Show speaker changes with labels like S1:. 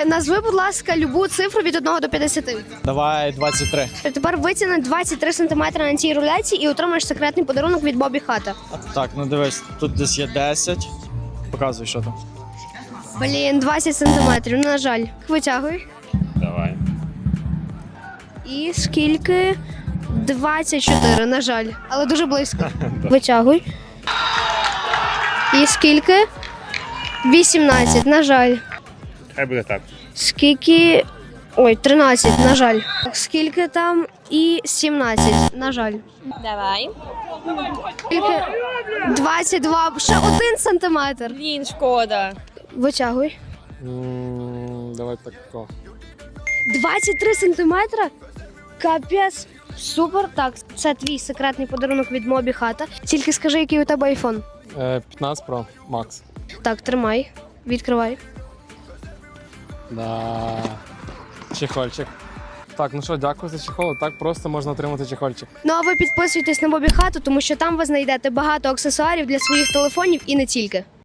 S1: Назви, будь ласка, любу цифру від 1 до 50.
S2: Давай 23.
S1: Тепер витягни 23 см на цій руляці і отримаєш секретний подарунок від Бобі Хата.
S2: Так, ну дивись, тут десь є 10. Показуй, що там.
S1: Блін, 20 см, ну, на жаль. Витягуй.
S3: Давай.
S1: І скільки? 24, на жаль. Але дуже близько. Витягуй. І скільки? 18, на жаль.
S3: Хай буде так.
S1: Скільки? Ой, 13, на жаль. Скільки там? І 17, на жаль.
S4: Давай.
S1: Скільки? 22, ще 1 сантиметр.
S4: Блін, шкода.
S1: Витягуй.
S2: Давай тако.
S1: 23 сантиметра? Капець. Супер. Так, це твій секретний подарунок від Мобі Хата. Тільки скажи, який у тебе айфон.
S2: 15 Pro Max.
S1: Так, тримай. Відкривай.
S2: Да. Чехольчик. Так, ну що, дякую за чехол. Так просто можна отримати чехольчик.
S1: Ну а ви підписуйтесь на Мобі Хату, тому що там ви знайдете багато аксесуарів для своїх телефонів і не тільки.